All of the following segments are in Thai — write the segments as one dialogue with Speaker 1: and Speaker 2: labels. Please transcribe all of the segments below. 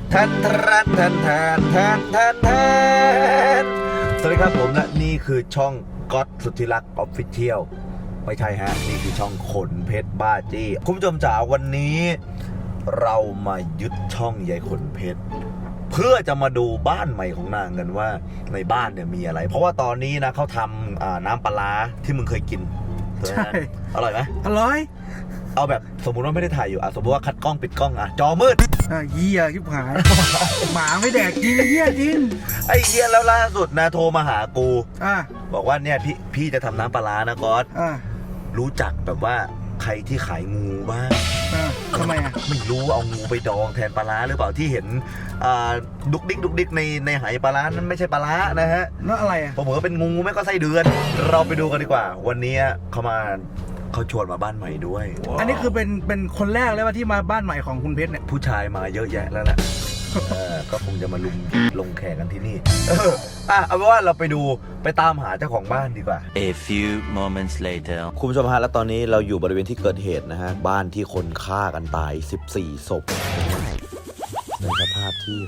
Speaker 1: ทันทันทันทันทันทันทันสวัสดีครับผมและนี่คือช่องก๊อตสุทธิรักษ์ออฟฟิเชียลไม่ใช่ฮะนี่คือช่องขนเพชรบ้าจี้คุณผู้ชมจ๋าวันนี้เรามายึดช่องยายขนเพชรเพื่อจะมาดูบ้านใหม่ของนางกันว่าในบ้านเนี่ยมีอะไรเพราะว่าตอนนี้นะเขาทำน้ำปลาร้าที่มึงเคยกินใช่อร่อยไหม
Speaker 2: อร่อย
Speaker 1: เอาแบบสมมุติว่าไม่ได้ถ่ายอยู่สมมติว่าคัดกล้องปิดกล้องจอมืด
Speaker 2: เหี้ยชิบหาย หมาไม่แดกจริงเหี้ยจริง
Speaker 1: ไอ้เหี้ยแล้วล่าสุดนะโทรมาหากูบอกว่าเนี่ยพี่จะทำน้ำปลาร้านะก๊อตรู้จักแบบว่าใครที่ขายงูบ้าง
Speaker 2: ทำไม
Speaker 1: ไม่รู้เอางูไปดองแทนปลาร้าหรือเปล่าที่เห็นดุกดิกในหายปลาร้านั้นไม่ใช่ปลาร้านะฮะ
Speaker 2: นั่นอะไร
Speaker 1: ผมว่าเป็นงูไม่ก็ไส้เดือนเราไปดูกันดีกว่าวันนี้เขาชวนมาบ้านใหม่ด้วย
Speaker 2: อันนี้คือเป็นคนแรกเลยว่าที่มาบ้านใหม่ของคุณเพชรเนี่ย
Speaker 1: ผู้ชายมาเยอะแยะแล้วแหละก็คงจะมาลงแขกกันที่นี่เอาเป็นว่าเราไปตามหาเจ้าของบ้านดีกว่า
Speaker 3: A few moments later
Speaker 1: คุณผู้ชมฮะแล้วตอนนี้เราอยู่บริเวณที่เกิดเหตุนะฮะบ้านที่คนฆ่ากันตาย14ศพในสภาพที่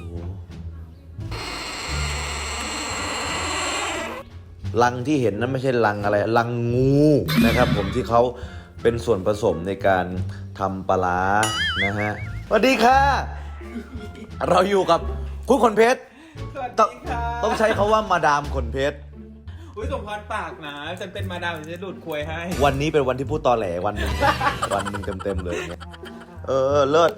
Speaker 1: ลังที่เห็นนั้นไม่ใช่ลังอะไรลังงูนะครับผมที่เขาเป็นส่วนผสมในการทำปลาร้านะฮะสวัสดีค่ะเราอยู่กับคุณขนเพชรต้องใช้เขาว่ามาดามขนเพชร
Speaker 4: อุ้ยสมพรปากนะฉันเป็นมาดามฉันหลุดควยให้
Speaker 1: วันนี้เป็นวันที่พูดตอแหลวันหนึ่งเต็มเลยเนี่ยเลิศ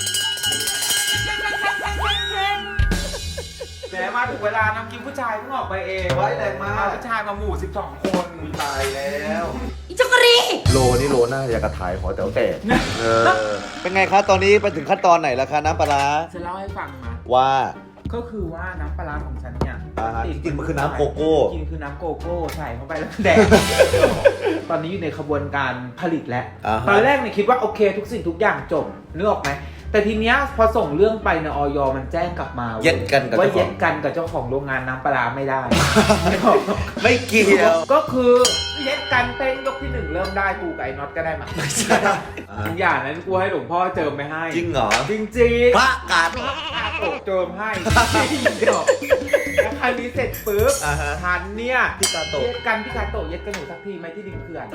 Speaker 4: แหมมาถึงเวลาน้ำกินผู้ชายเพิ่งออกไปเอง
Speaker 1: ไว้แรงมาก
Speaker 4: ผู้ชายมาหมู่12 คน
Speaker 1: ตายแล้ว
Speaker 5: อีจักรี
Speaker 1: โลน่าอยากกระถ่ายขอแต่แต่เป็นไงคะตอนนี้ไปถึงขั้นตอนไหนแล้วคะน้ำปลาร้า
Speaker 4: ฉันเล่าให้ฟังมา
Speaker 1: ว่า
Speaker 4: ก็คือว่าน้ำปลาร้าของฉันเนี่ย
Speaker 1: จริงมันคือน้ำโกโก้
Speaker 4: จริงคือน้ำโกโก้ใส่เข้าไปแล้วแดงตอนนี้อยู่ในขบวนการผลิตแล้วตอนแรกเนี่ยคิดว่าโอเคทุกสิ่งทุกอย่างจบนึกออกไหมแต่ทีเนี้ยพอส่งเรื่องไปในอย มันแจ้งกลับมาว่า
Speaker 1: เย็ดกัน
Speaker 4: กับเจ้าของโรงงานน้ำปลาไม่ได้
Speaker 1: ไม่เกี่ยว
Speaker 4: ก็คือเย็ดกันเต้นยกที่1เริ่มได้กูกับไอ้น็อตก็ได้มาอย่างนั้นกูให้หลวงพ่อเจิมไปให้
Speaker 1: จริงเหรอ
Speaker 4: จริง
Speaker 1: พระกาด
Speaker 4: โอกเจิมให้แล้วคราวนี้เสร็จปุ๊บทันเนี่ย
Speaker 1: พี่กาโตะ
Speaker 4: เย็ดกันหนูสักทีไหมที่ดินเขื่อน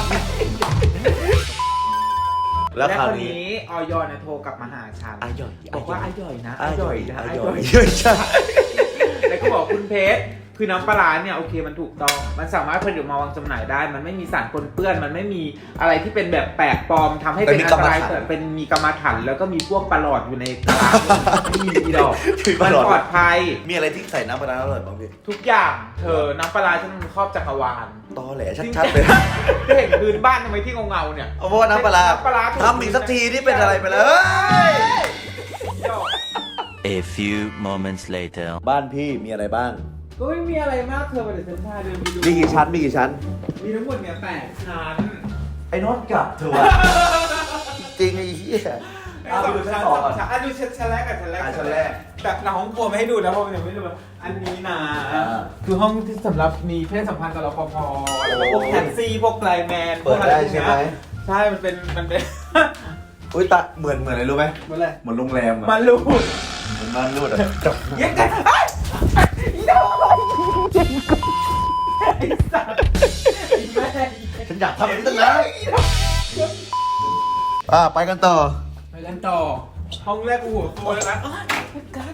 Speaker 4: และคราวนี้อย โทรกลับมาหาฉันบอกว่าอย่อยนะใช่แล้วก็บอกคุณเพชรคือน้ำปลาเนี่ยโอเคมันถูกต้องมันสามารถผลิตมาวางจำหน่ายได้มันไม่มีสารปนเปื้อนมันไม่มีอะไรที่เป็นแบบแปลกปลอมทำให้เป็นอันตรายแต่เป็นมีกรรมฐานแล้วก็มีพวกปลาหลอดอยู่ในกระลาไม่มีดอกมันปลอดภัย
Speaker 1: มีอะไรที่ใส่น้ำปลาอร่อยบ้างพี่
Speaker 4: ทุกอย่างน้ำปลาฉันครอบจักรวาล
Speaker 1: ตอแหลชัดๆเลย
Speaker 4: เห็นพื้นบ้านทำไมที่เงาเนี่ย
Speaker 1: เพราะว่าน้ำปลาทำอีกสักทีที่เป็นอะไรไปเลย
Speaker 3: A few moments later
Speaker 1: บ้านพี่มีอะไรบ้าง
Speaker 4: ก็ไม่มีอะไรมากเดี๋ยวฉันพาเดินไปดู
Speaker 1: มีกี่ชั้นมี
Speaker 4: ทั้งหมดเนี่ย8 ชั้น
Speaker 1: ไอ้น็อตกลับเถอะจริงไอ้เหี้ย
Speaker 4: ดูชั้นดูชั้นแรกกับชั้นแรกแต่ในห้องครัวไม่ให้ดูนะเพราะมันยังไม่ดูอันนี้นะคือห้องที่สำหรับมีเพศสัมพันธ์กับรปภแล้วก็พวกแท็กซี่พวกไลน์แมน
Speaker 1: เปิดได้ใช่ไหม
Speaker 4: ใช่มันเป็น
Speaker 1: อุ้ยตาเหมือนอะไรรู้ไหมเหมือนโรงแรม
Speaker 4: มันรูด
Speaker 1: เหมือนมันรูด
Speaker 4: เย็นกัน
Speaker 1: ฉันอยากทำแบบนี้ตั้งนานไปกันต่อ
Speaker 4: ห้องแรกหัวตัวแล้วนะกัน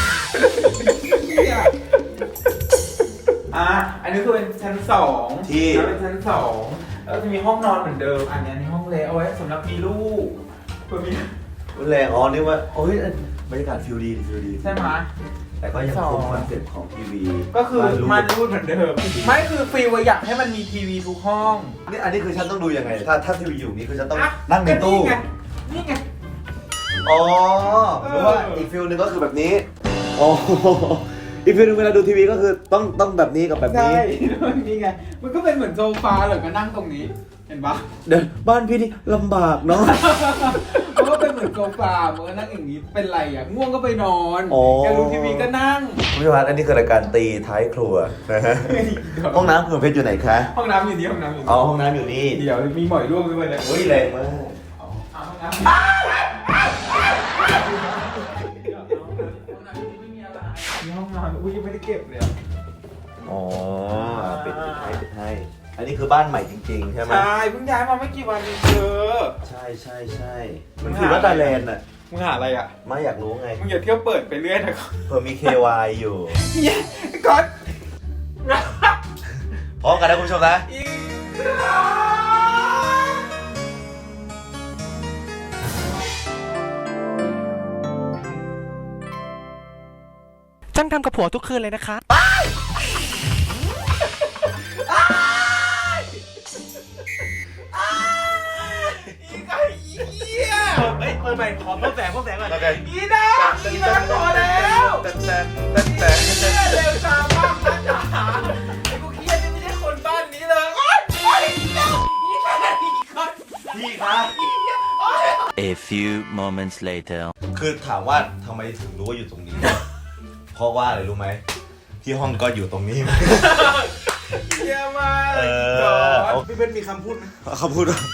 Speaker 4: อันนี้คือเป็นชั้น2
Speaker 1: ที่
Speaker 4: เป็นชั้น2แล้วจะมีห้องนอนเหมือนเดิมอันนี้ในห้องเล็กเอาไว้สำหรับมีลูกมี
Speaker 1: แรงนี่ว่าโอ้ยบรรยากาศฟิลดี
Speaker 4: ใช่ไหม
Speaker 1: แต่ก็ยังคงคอนเซ็ปต์ของทีวี
Speaker 4: ก็คือมันรูดเหมือนเดิมไม่คือฟีลอยากให้มันมีทีวีทุกห้อง
Speaker 1: นี่อันนี้คือฉันต้องดูยังไงถ้าทีวีอยู่นี้คือฉันต้องนั่งในตู้
Speaker 4: นี่ไง
Speaker 1: อ๋อหรือว่าอีกฟิลนึงก็คือแบบนี้อ๋ออีกฟิลนึงเวลาดูทีวีก็คือต้องแบบนี้กับแบบนี้
Speaker 4: ใช่นี่ไงมันก็เป็นเหมือนโซฟาเลยก็นั่งตรงนี้เห็นปะ
Speaker 1: เดี๋ยวบ้านพี่นี่ลำบากเนาะ
Speaker 4: เพราะว่าเป็นเหมือนโซฟาเมื่อนั่งอย่างนี้เป็นไรง่วงก็ไปนอนอยากดูทีวีก็นั่ง
Speaker 1: พี่พัดอันนี้คือรายการตีท้ายครัวนะฮะห้องน้ำคุณเพชรอยู่ไหนคะ
Speaker 4: ห้องน้ำอยู่นี่ห้องน้ำ
Speaker 1: อยู่นี่
Speaker 4: เดี๋ยวมีหมอยร่วงด้วยนะ
Speaker 1: เฮ้ยแรงมากห้องน้ำ
Speaker 4: ห้องนอนอุ้ยยังไม่ได้เก็บเลยอะ
Speaker 1: อ๋อปิดให้ อันนี้คือบ้านใหม่จริงๆใช่ไหม
Speaker 4: ใช่เพิ่งย้ายมาไม่กี่วันเองเธอ
Speaker 1: ใช่มันคือวัดตาแลนด์น่ะ
Speaker 4: มึงหาอะไรอ่ะ
Speaker 1: ไม่อยากรู้ไง
Speaker 4: มึงอย่าเที่ยวเปิดไปเรื่อยนะ
Speaker 1: เผื่อมี KY อยู่
Speaker 4: เฮียก๊อต
Speaker 1: พร้อมกันนะคุณผู้ชมนะ
Speaker 4: อีก
Speaker 5: จ้างทำกับผัวทุกคืนเลยนะคะ
Speaker 4: อีกไอ้เหี้ย
Speaker 5: เฮ้ยเปิดใหม่ขอเพิ่มแสงก่อน
Speaker 1: โอเค
Speaker 4: อีน่าพอแล้วเร็วช้ามากนะจ๋าไอ้กูเครียดนี่ไม่ใช่คนบ้านนี้เลยโอ๊ยโอ๊ยอีน่าอีก๊อต
Speaker 1: พี่ครับ
Speaker 3: A few moments later.
Speaker 1: คือถามว่าทำไมถึงรู้ว่าอยู่ตรงนี้ เพราะว่าอะไรรู้ไหม ที่ห้องก็อยู่ตรงนี้
Speaker 4: เยี่ยมมาก
Speaker 1: เอ
Speaker 4: ก๊
Speaker 1: อ
Speaker 4: อตพี่เป็นมีคำพูดไหม
Speaker 1: เขาพูดว่า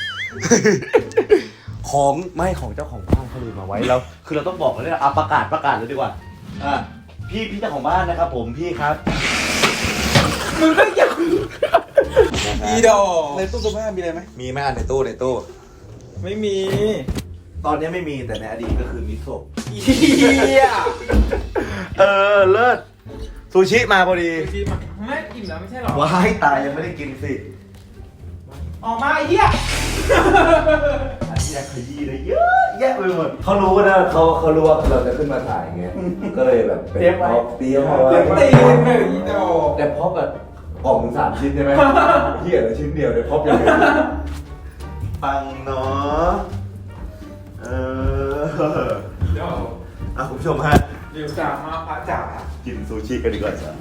Speaker 1: ของไม่ของเจ้าของบ้านเขาลืมมาไว้แล้ว คือเราต้องบอกเลยนะประกาศเลยดีกว่าพี่เจ้าของบ้านนะครับผมพี่ครับ
Speaker 4: มึงก็อย่าอีดอก
Speaker 2: ในตู้เสื้อผ้ามีอะไรไหม
Speaker 1: มีไหมอันในตู้
Speaker 4: ไม่มี
Speaker 1: ตอนนี้ไม่มีแต่ในอดีตก็คือมีศพ
Speaker 4: เหี้ย
Speaker 1: เลิศซูชิมาพอดี
Speaker 4: พี่มาไม่อิ่มแล้วไม่ใช่หรอ
Speaker 1: ว้ายตายยังไม่ได้กินสิ
Speaker 4: ออกมาไอ้เหี้ย
Speaker 1: อันนี้ขยี้เลยเยอะแยะไปหมดเขารู้นะเขารู้ว่าเราจะขึ้นมาถ่ายไงก็เลยแบบเตรียมเอาไว้
Speaker 4: ตีนหนึ่งอีดอก
Speaker 1: แต่พอแบบกล่องถึง3 ชิ้นใช่ไหมเหี้ยละชิ้นเดียวเลยพบยังไงปังเนาะ
Speaker 4: เดี๋ยว
Speaker 1: คุณผู้ชมฮะ
Speaker 4: เดี๋ยวจ๋ามาพระจ๋า
Speaker 1: กินซูชิกันดีกว่าจ้ะ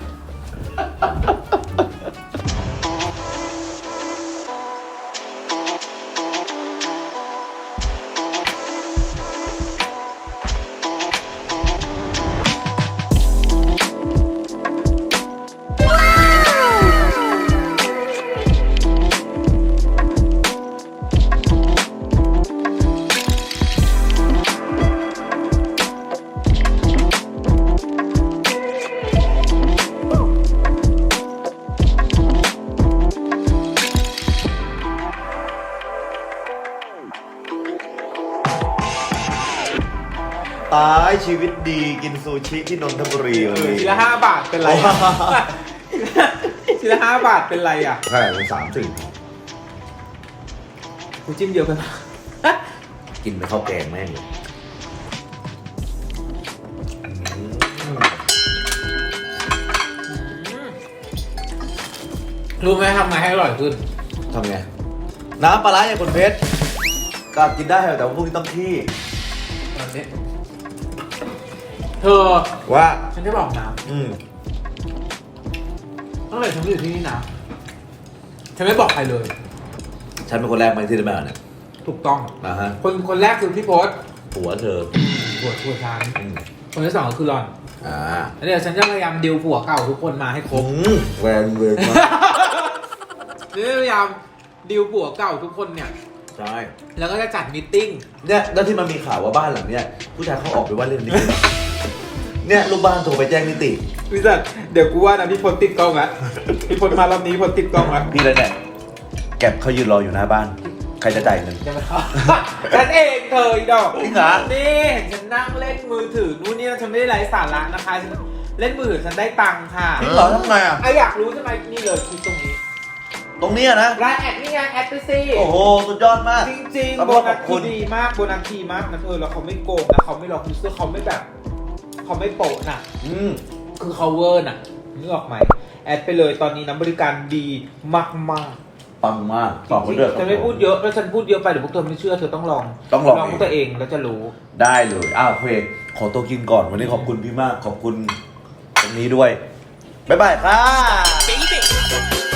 Speaker 1: ตายชีวิตดีกินซูชิที่นนทบุรีวันนี้
Speaker 4: ทีละ5 บาทเป็นไรอะทีละ5 บาทเป็นไรอ่ะ
Speaker 1: ใช่เป็น30
Speaker 4: กูจิ้มเยอะไปปะ
Speaker 1: กินไปข้าวแกงแม่งเลย
Speaker 4: รู้ไหมทำไงให้อร่อยขึ้น
Speaker 1: ทำไงน้ำปลาร้าอย่างคนเพชรก็กินได้แต่ว่าพวกนี้ต้องขี้
Speaker 4: ตอนนี้เธอ
Speaker 1: ว่า
Speaker 4: ฉันจะบอกนะตั้งแต่ฉันอยู่ที่นี่นะฉันไม่บอกใครเลย
Speaker 1: ฉันเป็นคนแรกไหมที่ได้มาเนี่ย
Speaker 4: ถูกต้อง
Speaker 1: นะฮะ
Speaker 4: คนแรกคือพี่โพส
Speaker 1: ผัวเธอ
Speaker 4: ผัวฉัน
Speaker 1: อืม
Speaker 4: คนที่ 2ก็คือหลอน
Speaker 1: อ่า
Speaker 4: แล้วเดี๋ยวฉันจะพยายามดิวผัวเก่าทุกคนมาให้ครบ
Speaker 1: แวนเวรมาก
Speaker 4: นี่พยายามดิวผัวเก่าทุกคนเนี่ย
Speaker 1: ใช่
Speaker 4: แล้วก็จะจัดมิทติ้ง
Speaker 1: เนี่ยแล้วที่มันมีข่าวว่าบ้านหลังเนี้ยผู้ชายเขาออกไปว่าเล่นนิติเนี่ยลูกบ้านโทรไปแจ้งนิติ
Speaker 4: พี่จัดเดี๋ยวกูว่านะพี่พลติดกล้องละพี่พลมารอบนี้พลติดกล้องละ
Speaker 1: พี่เลยเนี่ยแก็บเขายืนรออยู่หน้าบ้าน ใครจะจ่ายเงิน
Speaker 4: จะมาฉันเองเธออีดอก
Speaker 1: จริงเหรอ
Speaker 4: นี่เห็นฉันนั่งเล่นมือถือนู่นนี่ฉันไม่ได้ไร้สาระนะคะฉันเล่นมือถือฉันได้ตังค์ค่ะ
Speaker 1: จริงเหรอทำไงอ่ะ
Speaker 4: ไออยากรู้ใช่ไหมนี่เลยคือตรงนี้
Speaker 1: ตรงเนี้ยนะ
Speaker 4: ไลน์แอดนี่ไงแอดไปสิ
Speaker 1: โอ้โหสุดยอดมาก
Speaker 4: จริง
Speaker 1: ขอบ
Speaker 4: ๆโบ
Speaker 1: คุณ
Speaker 4: นัส
Speaker 1: ขอบคุ
Speaker 4: คือ
Speaker 1: ณ
Speaker 4: ดีมากโบนัสดีมากนะเธอแล้วเขาไม่โกงนะเขาไม่หลอกยูเซอร์เขาไม่แบบเขาไม่โปะน่ะ คือเขาเวอร์น่ะนึกออกไหมแอดไปเลยตอนนี้น้ำบริการดีมากมาก
Speaker 1: ปังมาก
Speaker 4: ๆ
Speaker 1: ตอบมาด้วย
Speaker 4: ฉันไม่พูดเยอะถ้าฉันพูดเยอะไปเดี๋ยวพวกเธอไม่เชื่อเธอต้องลอง
Speaker 1: ต้องลอง
Speaker 4: ตัวเองแล้วจะรู้
Speaker 1: ได้เลยเพลงขอตัวกินก่อนวันนี้ขอบคุณพี่มากขอบคุณตรงนี้ด้วยบ๊ายบายค่ะ